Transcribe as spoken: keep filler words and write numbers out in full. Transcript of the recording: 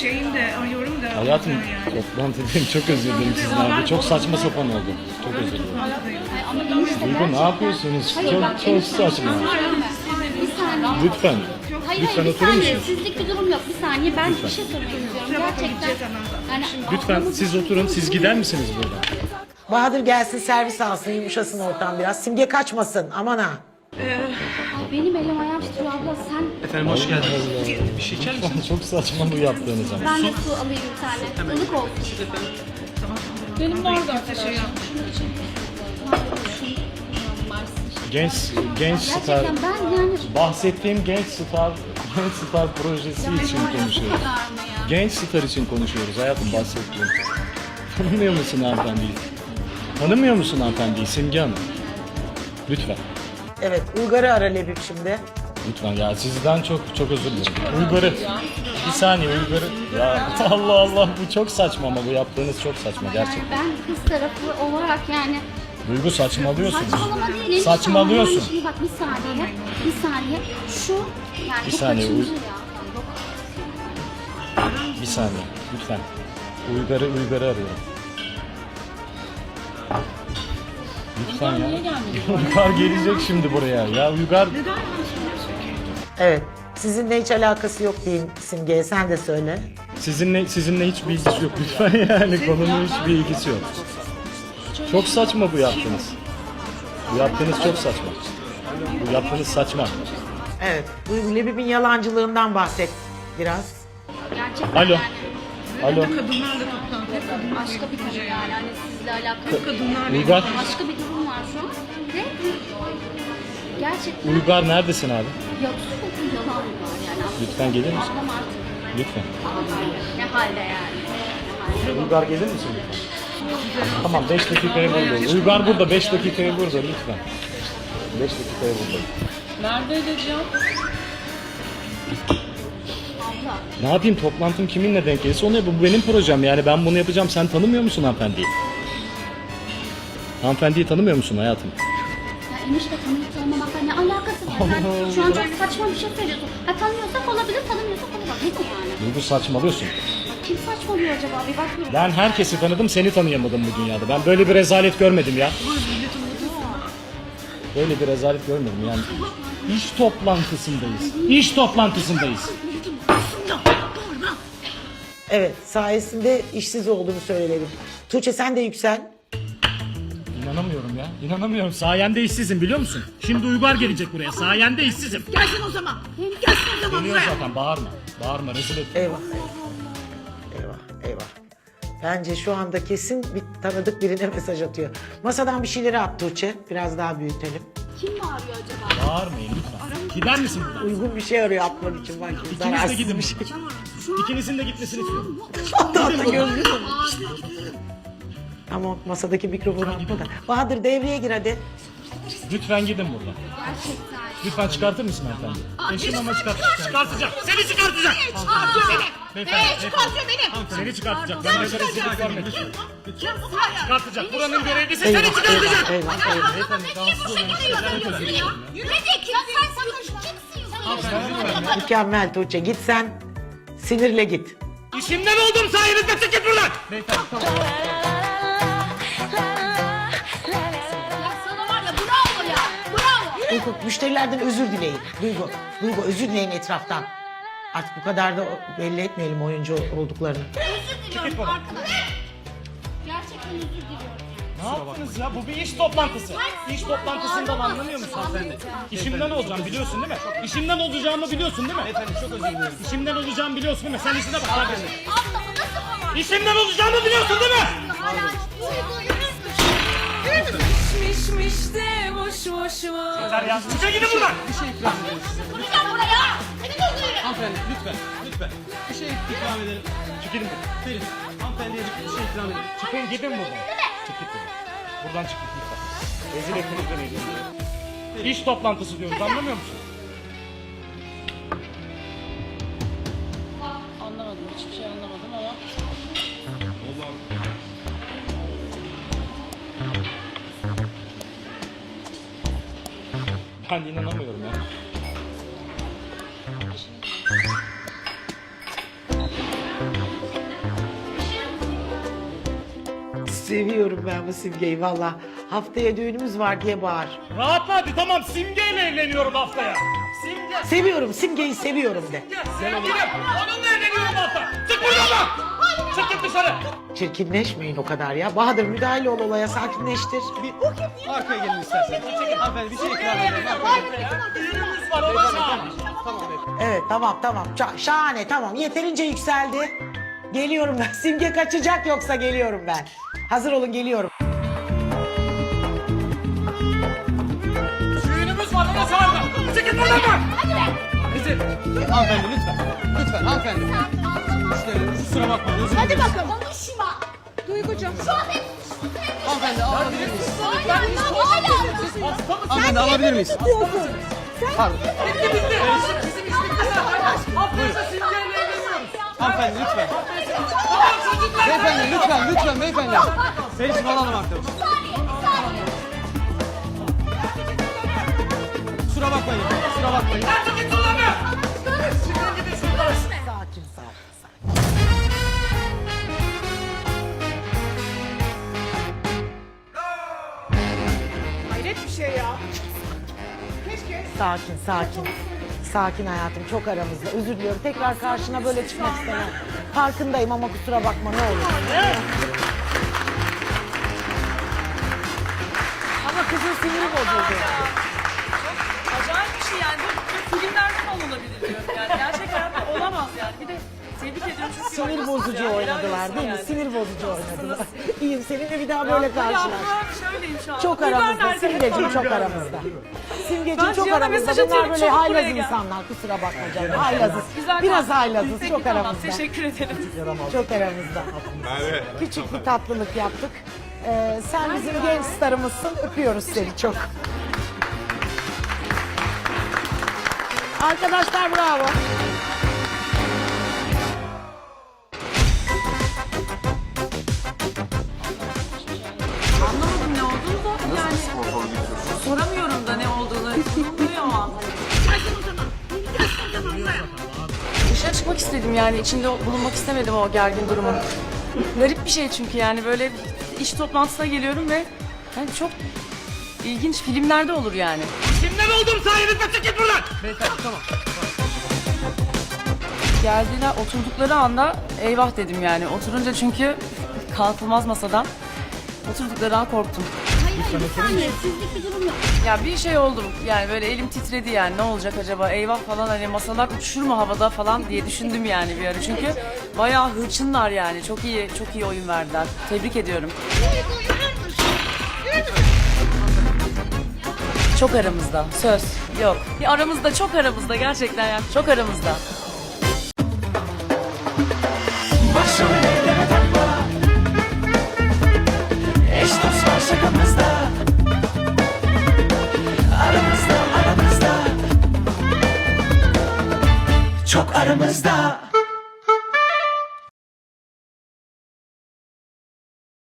şeyim de arıyorum da. Hayatım yani. toplantı dedim, çok özür dilerim sizden. Çok saçma sapan oldu. Çok özür dilerim. Ama enişte Duygu ne yapıyorsunuz? Çok çok saçma. bir saniye. Lütfen. Hayır Lütfen hayır bir oturur saniye. musunuz? Sizlik bir durum yok. Bir saniye. Ben bir şey sormak istiyorum. Gerçekten. Yani Lütfen siz oturun. Siz gider misiniz buradan? Bahadır gelsin servis alsın, yumuşasın ortam biraz. Simge kaçmasın, aman ha. Ay, benim elim ayağım titriyor abla. Sen Efendim hoş geldiniz. Bir şey içer misiniz? Çok saçma bu yaptığınız ama. ben de su alayım bir tane. Ilık olsun. Benim orada şey yap. Genç genç star. Gerçekten ben yani Bahsettiğim genç star, genç star projesi için konuşuyoruz. Genç star için konuşuyoruz hayatım, bahsettiğim. Tanımıyor musun hanımefendiyi? Tanımıyor musun hanımefendiyi Simge Hanım? Lütfen. Evet, Uygar'ı ara Lebip şimdi. Lütfen ya, sizden çok çok özür dilerim. Uygar'ı. Bir saniye Uygar'ı. Ya Allah Allah, bu çok saçma ama bu yaptığınız çok saçma gerçekten. ben kız tarafı olarak yani Duygu saçmalıyorsun. saçmalama değil. enişte. Saçmalıyorsun. Yani şimdi bak bir saniye. Bir saniye. Şu yani Bir bu saniye, kaçıncı uy- ya? Bir saniye lütfen. Uygar'ı Uygar'ı arıyorum. Lütfen ya. Uygar gelecek şimdi buraya. Ya Uygar Evet, sizinle hiç alakası yok diyeyim Simge'ye, sen de söyle. sizinle sizinle hiç bir ilgisi yok lütfen yani, konunun hiçbir ilgisi yok. Çok saçma bu yaptığınız. Bu yaptığınız çok saçma. Bu yaptığınız saçma. Evet, Duygu Lebip'in yalancılığından bahset biraz. Gerçekten Alo. yani Alo. Kadınlarla toplantı. Hep kadınlar başka bir durum yani. Hani sizle alakalı. kadınlarla. Uygar. Başka bir durum var şu an. Ve gerçekten Uygar neredesin abi? ya sürekli yalan var yani. Lütfen gelir misin? Ablam artık Lütfen. ne halde yani. Uygar gelir misin? Tamam, beş dakikaya burada. Uygar burada, beş dakikaya burada lütfen. beş dakikaya burada. Neredeydi Can? Abla. Ne yapayım, toplantım kiminle denk gelirse onu yap. Bu benim projem yani, ben bunu yapacağım. Sen tanımıyor musun hanımefendiyi? Hanımefendiyi tanımıyor musun hayatım? Ya enişte tanıyıp tanımamakla ne alakası var? Sen şu an çok saçma bir şey söylüyorsun. Ha tanıyorsak olabilir, tanımıyorsak olamaz. Ne bu yani? Duygu saçmalıyorsun. Kim saçmalıyor acaba? Bir bakıyorum. Ben herkesi tanıdım, seni tanıyamadım bu dünyada. Ben böyle bir rezalet görmedim ya. Böyle bir rezalet görmedim yani. İş toplantısındayız. İş toplantısındayız. Evet, sayesinde işsiz olduğunu söyleyelim. Tuğçe sen de yüksel. İnanamıyorum ya. İnanamıyorum. Sayende işsizim, biliyor musun? Şimdi Uygar gelecek buraya. Sayende işsizim. Gelsin o zaman. Gelsin o zaman Dönüyor buraya. zaten. Bağırma. Bağırma. Rezil et. Eyvah. Eyvah, eyvah. Bence şu anda kesin bir tanıdık birine mesaj atıyor. Masadan bir şeyleri at Tuğçe. Biraz daha büyütelim. Kim bağırıyor acaba? Bağırmayın lütfen. Gider misin buradan? Uygun bir şey arıyor atmak için. Bak, İkiniz de zararsız gidin. bir şey. İkinizin de gitmesini istiyorum. Hatta hatta gözlüğü. Ama masadaki mikrofonu atma da. Bahadır devreye gir hadi. Lütfen gidin buradan. Gerçekten. Lütfen çıkartır mısın hanımefendi? Eşim ama çıkart. Çıkartacak. Seni çıkartacak. Çıkartıyor beni. Beyefendi, Ee, çıkartıyor beni. Seni çıkartacak. Ben böyle rezillik görmedim. Kim bu ya? Çıkartacak. Buranın görevlisi Eyvah, seni çıkartacak. eyvah, eyvah, eyvah. Beyefendi rahatsız oluyorum. Yürüyecek. Ya sen sakın. Kimsin? Mükemmel Tuğçe. Git sen. Sinirle git. İşimden oldum sayenizde, çık git buradan. Beyefendi tamam. Ya sana var ya bravo ya. Bravo. Duygu, müşterilerden özür dileyin. Duygu, Duygu özür dileyin etraftan. Artık bu kadar da belli etmeyelim oyuncu olduklarını. Özür diliyorum arkadaşlar. Gerçekten özür diliyorum. Ne yaptınız ya? Bu bir iş toplantısı. İş toplantısından anlamıyor musun hanımefendi? İşimden olacağım biliyorsun değil mi? İşimden olacağımı biliyorsun değil mi? Efendim çok özür dilerim. İşimden olacağımı biliyorsun değil mi? Sen işine bak. Abla bu nasıl ama? İşimden olacağımı biliyorsun değil mi? Hala duygu Mişmiş de boş boş var. Yeter ya. Çıkın gidin buradan. Gel buraya. Seni duyguyorum. Hanımefendi lütfen. Lütfen. Bir şey ikram edelim. Çık gidin buradan. Verin. Hanımefendiye bir şey ikram edelim. Çıkın gidin buradan. Çık git buradan. Buradan çık git lütfen. Rezil ettiniz beni. İş toplantısı diyoruz, anlamıyor musun? Anlamadım. Hiçbir şey anlamadım ama. Ben inanamıyorum ya. Seviyorum ben bu Simge'yi valla. Haftaya düğünümüz var diye bağır. Rahatla hadi tamam Simge'yle evleniyorum haftaya. Simge. Seviyorum Simge'yi seviyorum de. Sevgilim. Onunla evleniyorum hafta. Çık buradan. Çık git dışarı. Çirkinleşmeyin o kadar ya. Bahadır müdahale ol olaya sakinleştir. Bir arkaya gelin isterseniz. Hanımefendi bir şey ikram edelim. Düğünümüz var ona çağır. Tamam beyefendi. Evet tamam tamam Ça- şahane tamam yeterince yükseldi. Geliyorum ben. Simge kaçacak yoksa geliyorum ben. Hazır olun geliyorum. Düğünümüz var ona çağır. Çık git buradan bak. Bizi. Hanımefendi lütfen. Lütfen hanımefendi. Müşterilerimiz kusura bakmayın. Özür Hadi dileriz. bakalım. Konuşma. Duygucuğum. Şu an hep Hanımefendi alabilir miyiz? hala hala. Hanımefendi alabilir miyiz? Pardon. Haftaya Simge'yle evleniyoruz. Hanımefendi lütfen. Beyefendi lütfen lütfen beyefendi. Feris'i alalım arkadaşlar. Kusura bakmayın. Kusura bakmayın. Çık git buradan be. Sakin sakin sakin. Hayret bir şey ya. Keşke. Sakin sakin. Sakin hayatım çok aramızda. Özür diliyorum. Tekrar karşına böyle çıkmak istemem. Farkındayım ama kusura bakma ne olur. Ama kızın siniri bozuldu. Acayip bir şey yani. Bu, bu filmlerde falan olabilir diyorum yani. Gerçek hayatta olamaz yani. Bir de tebrik ediyorum çünkü Sinir oynuyorsunuz bozucu yani. oynadılar Helal değil mi? olsun Sinir bozucu oynadılar. İyiyim seninle bir daha böyle Ya, karşılaş. ya, şöyleyim şu an. Çok Biber aramızda. nerede? Simgeciğim çok aramızda. Simgeciğim Ben çok Cihan'a aramızda. mesaj Bunlar atıyorum, böyle çabuk haylaz buraya gel. insanlar. Kusura bakma canım. Haylazız. Güzel Biraz kalktın. haylazız. Peki, Çok tamam, aramızda. teşekkür ederim. Çok aramızda. Küçük bir tatlılık yaptık. Ee, sen bizim genç starımızsın. Öpüyoruz seni çok. Arkadaşlar bravo. Anlamadım ne olduğunu da yani. Soramıyorum da ne olduğunu. Sorulmuyor ama. Dışarı çıkmak istedim yani. İçinde bulunmak istemedim o gergin durumun. Garip bir şey çünkü yani böyle iş toplantısına geliyorum ve yani çok ilginç filmlerde olur yani. Kimden oldum sayenizde çık git buradan. Beyefendi tamam. Geldiler oturdukları anda eyvah dedim yani. Oturunca çünkü kalkılmaz masadan. Oturdukları an korktum. Hayır bir saniye sizlik bir durum yok. Ya bir şey oldum yani böyle elim titredi yani ne olacak acaba eyvah falan hani masalar uçuşur mu havada falan diye düşündüm yani bir ara. Çünkü bayağı hırçınlar yani çok iyi çok iyi oyun verdiler. Tebrik ediyorum. Çok aramızda söz yok. Bir aramızda çok aramızda gerçekten yani çok aramızda. Başım ellere takma. Eş dost var şakamızda. Aramızda aramızda. Çok aramızda.